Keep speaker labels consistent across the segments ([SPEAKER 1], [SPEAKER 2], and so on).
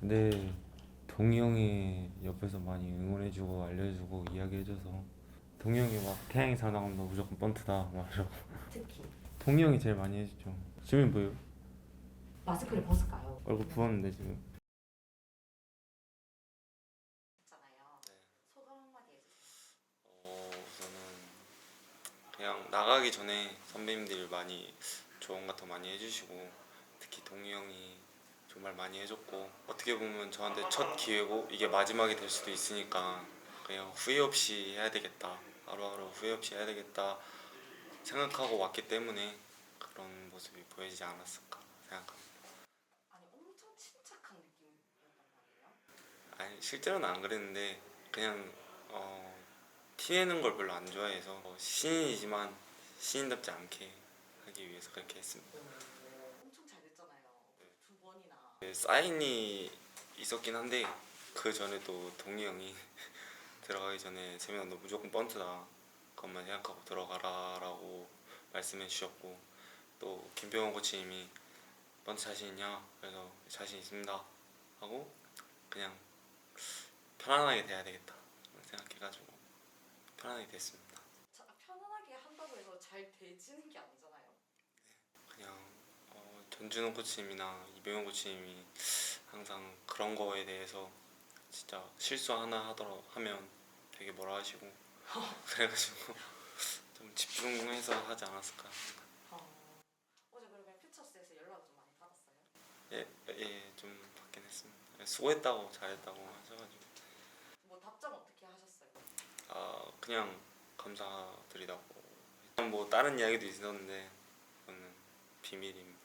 [SPEAKER 1] 근데 동희 형이 옆에서 많이 응원해주고 알려주고 이야기해줘서 동희 형이 막 태양이 살아나온다 무조건 번트다 막 이러고
[SPEAKER 2] 특히
[SPEAKER 1] 동희 형이 제일 많이 해주죠. 지금 뭐예요?
[SPEAKER 2] 마스크를 벗을까요?
[SPEAKER 1] 얼굴 부었는데 지금.
[SPEAKER 2] 했잖아요. 소감 한마디 해주세요.
[SPEAKER 1] 우선은 그냥 나가기 전에 선배님들이 많이 조언 같은 거 많이 해주시고 특히 동희 형이 정말 많이 해줬고 어떻게 보면 저한테 첫 기회고 이게 마지막이 될 수도 있으니까 그냥 후회 없이 해야 되겠다, 하루하루 후회 없이 해야 되겠다 생각하고 왔기 때문에 그런 모습이 보이지 않았을까 생각합니다.
[SPEAKER 2] 아니 엄청 침착한 느낌이었단 말이에요.
[SPEAKER 1] 아니 실제로는 안 그랬는데 그냥 티내는 걸 별로 안 좋아해서 신인이지만 신인답지 않게 하기 위해서 그렇게 했습니다.
[SPEAKER 2] 엄청 잘 됐잖아요. 두 번이나.
[SPEAKER 1] 네, 사인이 있었긴 한데 그 전에 또 동희 형이 들어가기 전에 세민아 너 무조건 번트다 그것만 생각하고 들어가라라고 말씀해 주셨고 또 김병호 코치님이 번트 자신 있냐? 그래서 자신 있습니다 하고 그냥 편안하게 돼야 되겠다 생각해가지고 편안하게 됐습니다.
[SPEAKER 2] 편안하게 한다고 해서 잘 되지는 게 아니잖아요.
[SPEAKER 1] 그냥 전준호 코치님이나 이병호 코치님이 항상 그런 거에 대해서 진짜 실수 하나 하더라 하면 되게 뭐라 하시고 그래가지고 좀 집중해서 하지 않았을까.
[SPEAKER 2] 어제 그러면 퓨처스에서 연락을 좀 많이 받았어요?
[SPEAKER 1] 좀 받긴 했습니다. 수고했다고 잘했다고 하셔가지고
[SPEAKER 2] 뭐 답장 어떻게 하셨어요?
[SPEAKER 1] 그냥 감사드리다고. 뭐 다른 이야기도 있었는데 그거는 비밀입니다.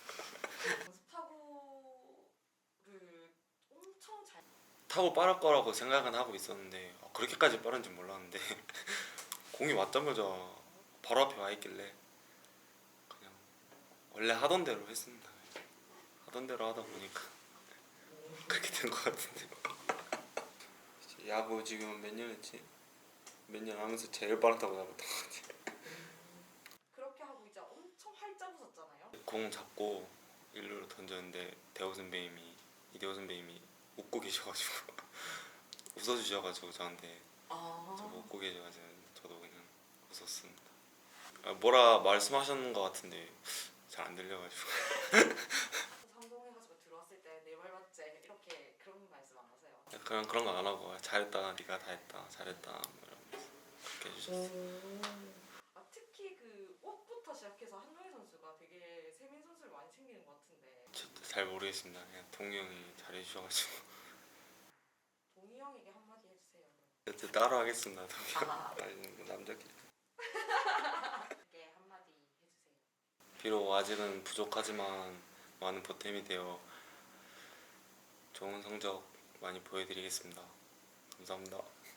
[SPEAKER 2] 연습타구를 엄청 잘.
[SPEAKER 1] 타고 빠를 거라고 생각은 하고 있었는데 그렇게까지 빠른지 몰랐는데 공이 왔자마자 바로 앞에 와 있길래 그냥 원래 하던 대로 했습니다. 하던 대로 하다 보니까 그렇게 된 것 같은데요. 야구 지금 몇 년 했지? 몇 년 하면서 제일 빠르다고 잡았던 것 같아요.
[SPEAKER 2] 그렇게 하고 이제 엄청 활짝 웃었잖아요.
[SPEAKER 1] 공 잡고 일루로 던졌는데 이대호 선배님이 웃고 계셔가지고 웃어주셔가지고 저한테 저 웃고 계셔가지고 저도 그냥 웃었습니다. 뭐라 말씀하셨는 것 같은데 잘 안 들려가지고
[SPEAKER 2] 성공해가지고 들어왔을 때 내 말 맞지? 이렇게 그런 말씀 안 하세요?
[SPEAKER 1] 그런 거 안 하고 잘했다 네가 다 했다 잘했다 뭐 이러면서 그렇게 해주셨어요.
[SPEAKER 2] 특히 그 옷부터 시작해서 한동희 선수가 되게 세민 선수를 많이 챙기는 것 같은데
[SPEAKER 1] 저도 잘 모르겠습니다. 그냥 동희 형이 잘해주셔가지고
[SPEAKER 2] 동희 형에게 한마디 해주세요.
[SPEAKER 1] 저 따로 하겠습니다. 동희 형
[SPEAKER 2] 아.
[SPEAKER 1] 아니 남자끼리
[SPEAKER 2] 게 한마디 해주세요.
[SPEAKER 1] 비록 아직은 부족하지만 많은 보탬이 되어 좋은 성적 많이 보여드리겠습니다. 감사합니다.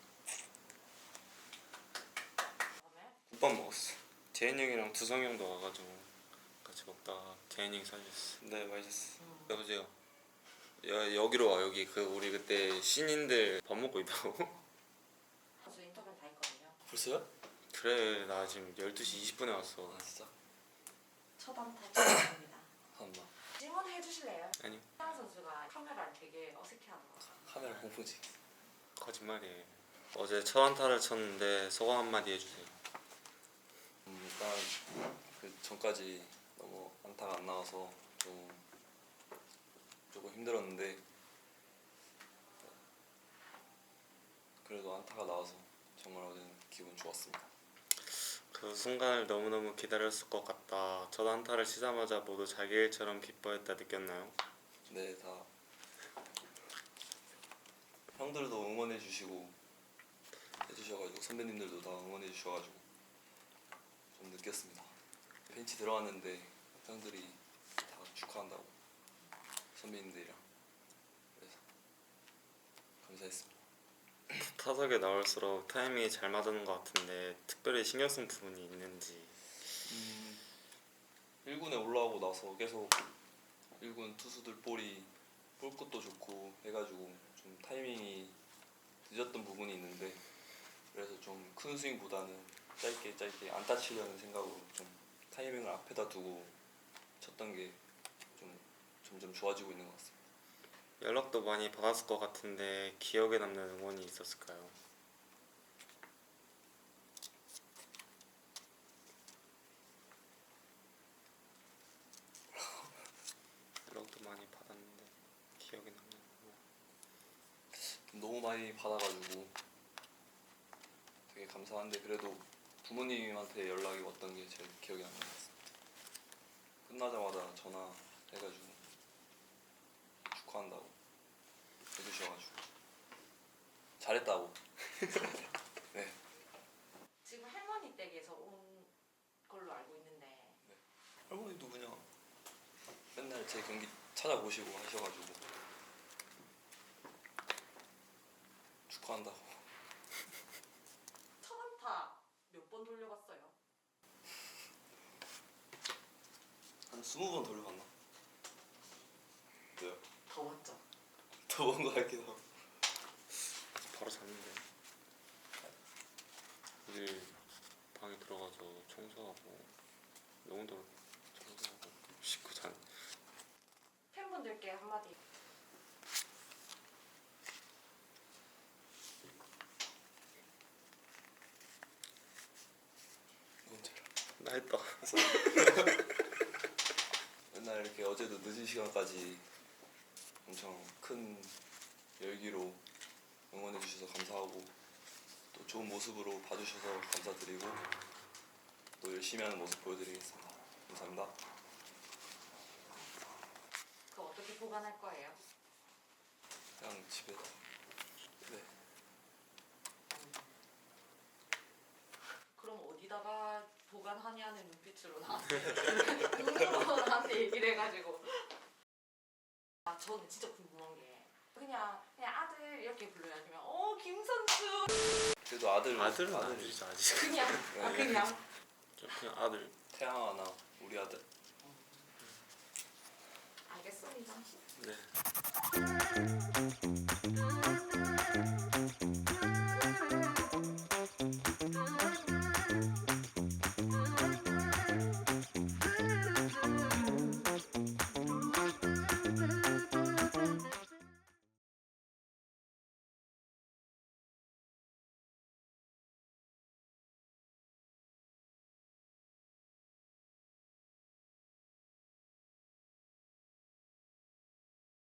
[SPEAKER 2] 다음에
[SPEAKER 1] 국밥 먹었어. 재현이 형이랑 두성이 형도 와가지고 같이 먹다가 재현이 형이 사줬어. 네 맛있었어. 여보세요. 여기로 와. 여기 그 우리 그때 신인들 밥 먹고 있다고.
[SPEAKER 2] 선수 인터뷰 다 했거든요.
[SPEAKER 3] 벌써요?
[SPEAKER 1] 그래 나 지금 12시 20분에 왔어.
[SPEAKER 3] 진짜?
[SPEAKER 2] 첫 안타 축하드립니다.
[SPEAKER 3] 한번
[SPEAKER 2] 질문해 주실래요?
[SPEAKER 1] 아니요.
[SPEAKER 2] 태양 선수가 카메라를 되게 어색해하더라고요.
[SPEAKER 3] 카메라 홍보지.
[SPEAKER 1] 거짓말이에요. 어제 첫 안타를 쳤는데 소감 한마디 해주세요.
[SPEAKER 3] 일단 그 전까지 너무 안타가 안 나와서 조금 힘들었는데 그래도 안타가 나와서 정말 어제는 기분 좋았습니다.
[SPEAKER 1] 그 순간을 너무너무 기다렸을 것 같다. 첫 안타를 치자마자 모두 자기 일처럼 기뻐했다 느꼈나요?
[SPEAKER 3] 네, 다 형들도 응원해 주시고 해주셔가지고 선배님들도 다 응원해 주셔가지고 좀 느꼈습니다. 벤치 들어왔는데 형들이 다 축하한다고 선배님들이랑 그래서 감사했습니다.
[SPEAKER 1] 타석에 나올수록 타이밍이 잘 맞는 것 같은데 특별히 신경 쓴 부분이 있는지.
[SPEAKER 3] 1군에 올라오고 나서 계속 1군 투수들 볼이 볼 것도 좋고 해가지고 좀 타이밍이 늦었던 부분이 있는데 그래서 좀 큰 스윙보다는 짧게 안타 치려는 생각으로 좀 타이밍을 앞에다 두고 쳤던 게 좀 점점 좋아지고 있는 것 같습니다.
[SPEAKER 1] 연락도 많이 받았을 것 같은데 기억에 남는 응원이 있었을까요? 연락도 많이 받았는데 기억에 남는 응원.
[SPEAKER 3] 너무 많이 받아가지고 되게 감사한데 그래도 부모님한테 연락이 왔던 게 제일 기억에 남는 것 같습니다. 끝나자마자 전화해가지고 축하한다고 해주셔가지고 잘했다고. 네.
[SPEAKER 2] 지금 할머니 댁에서 온 걸로 알고 있는데
[SPEAKER 3] 할머니도 그냥 맨날 제 경기 찾아보시고 하셔가지고 축하한다고.
[SPEAKER 2] 첫 안타 몇 번 돌려봤어요?
[SPEAKER 3] 한 20번 돌려봤나? 네요.
[SPEAKER 2] 더 맞죠?
[SPEAKER 3] 더 본 거 같기도 하고.
[SPEAKER 1] 바로 잤는데 오늘 방에 들어가서 청소하고 영혼도 청소하고 씻고 잔.
[SPEAKER 2] 팬분들께 한마디.
[SPEAKER 3] 언제라?
[SPEAKER 1] 나 했다.
[SPEAKER 3] 맨날 이렇게 어제도 늦은 시간까지 엄청 큰 열기로 응원해 주셔서 감사하고 또 좋은 모습으로 봐주셔서 감사드리고 또 열심히 하는 모습 보여드리겠습니다. 감사합니다.
[SPEAKER 2] 그거 어떻게 보관할 거예요?
[SPEAKER 3] 그냥 집에다. 네.
[SPEAKER 2] 그럼 어디다가 보관하냐는 눈빛으로 나한테 눈으로 나한테 얘기를 해가지고 아 저는 진짜 궁금한 게 그냥 아들 이렇게 불러요 아니면 김선수
[SPEAKER 3] 그래도 아들은
[SPEAKER 1] 아들은
[SPEAKER 3] 아들이
[SPEAKER 1] 아들이죠 아직.
[SPEAKER 2] 그냥 그냥
[SPEAKER 1] 그냥 아들.
[SPEAKER 3] 태양아나 우리 아들.
[SPEAKER 2] 알겠습니다.
[SPEAKER 1] 네.